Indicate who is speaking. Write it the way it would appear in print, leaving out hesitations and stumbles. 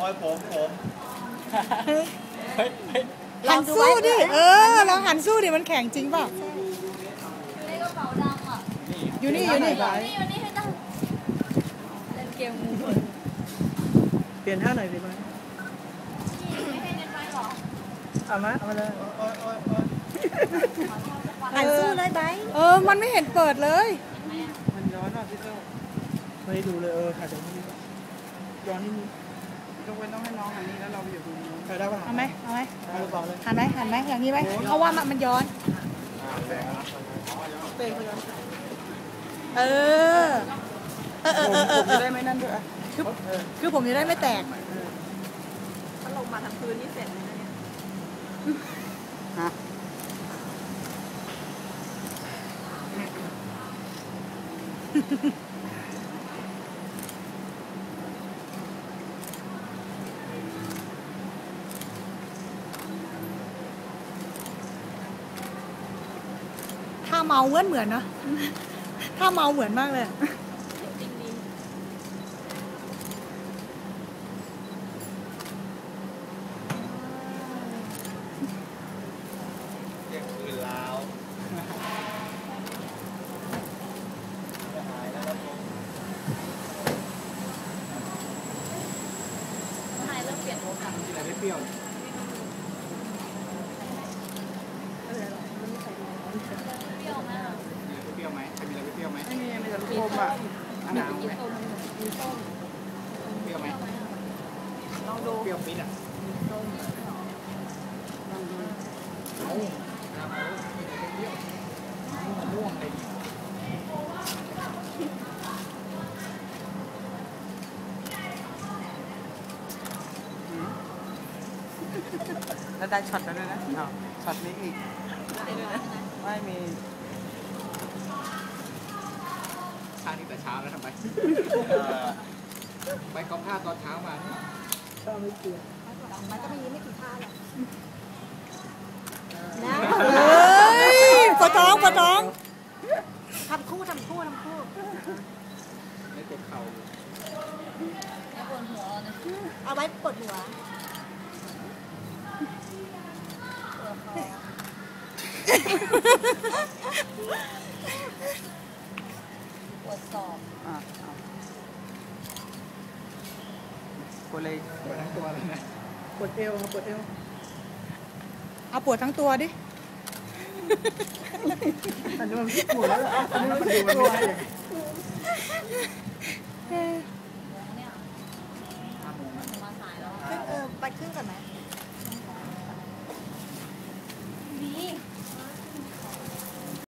Speaker 1: อยผม
Speaker 2: หันสู้ดิเราหันสู้ดิมันแข็งจริงเปล่า
Speaker 3: ในกระเป๋าดำอ่ะ
Speaker 2: อยู่นี่
Speaker 3: อยู่นี่ให้ตั้งเล่นเกมงู
Speaker 4: เปลี่ยนท่าหน่อยสิไหม
Speaker 3: ไม่ให้เล่นไฟหรอ
Speaker 4: เอามาเลย
Speaker 2: หันสู้เลยไบมันไม่เห็นเปิดเลย
Speaker 4: มันย้อนอ่ะพี่เจ้าไม่ได้ดูเลยถ่ายจากนี้ย้อนนิดนึงต้องให้น้องอันนี้แล้วเราอยู่ตรงนี้ได้ป่ะ
Speaker 2: เอาไหม
Speaker 4: เอาต่อเลย
Speaker 2: หันไหมอย่างนี้ไหมเพราะว่ามันย้อน
Speaker 4: เตะไปย้อนผมจะได้ไม่นั่นด้วย
Speaker 2: คือผมจะได้ไม่แตก
Speaker 3: ถ้าลงมาทำพื้นนี่เสร็จเลยนะเนี่ย
Speaker 4: ฮะ
Speaker 2: ถ้าเมาเหมือนเนาะถ้าเมาเหมือนมากเลย
Speaker 3: จริงดี
Speaker 1: เรียกคืนแล้ว
Speaker 3: นายเริ่มเปลี่ยนโอกาส
Speaker 4: กินอะไรไม่เปรี้ยว
Speaker 3: เปรี้ยวมาก
Speaker 4: เปรี้ยวไหมใครมีอะไรเปรี้ยวไหมไม่มีแต่ลูกอมอ่ะหนาวไหม
Speaker 3: มีส้ม
Speaker 4: เปรี้ยวไหม
Speaker 3: ลองดู
Speaker 4: เปรี้ยวปิดอ่ะม่วงเลยแล้วได้ช็อตแล้วด้วยนะช็อตนี้อีกไม่มีชานี่แต่เช้าแล้วทำไมไปกองผ้าตอนเช้ามาก็ไม่เกี่ยว
Speaker 2: มันก็ไม่กี่ท่าหรอกปวดท้องทำคู่
Speaker 4: ไม่กดเข่า
Speaker 3: ไม่ปวดหัวเลย
Speaker 2: เอาไว้ปวดหัว
Speaker 3: ปวดศอก
Speaker 4: ปวดเลยปวดทั้งตัวเลยนะปวดเอวปวดเอว
Speaker 2: เอาปวดทั้งตัวดิ
Speaker 4: อันนี้มันปวดแล้วอันนี้มันดูมันไม่ใช่
Speaker 3: เนี่ยมาสายแล้ว
Speaker 2: ไปขึ้นก่อนไหม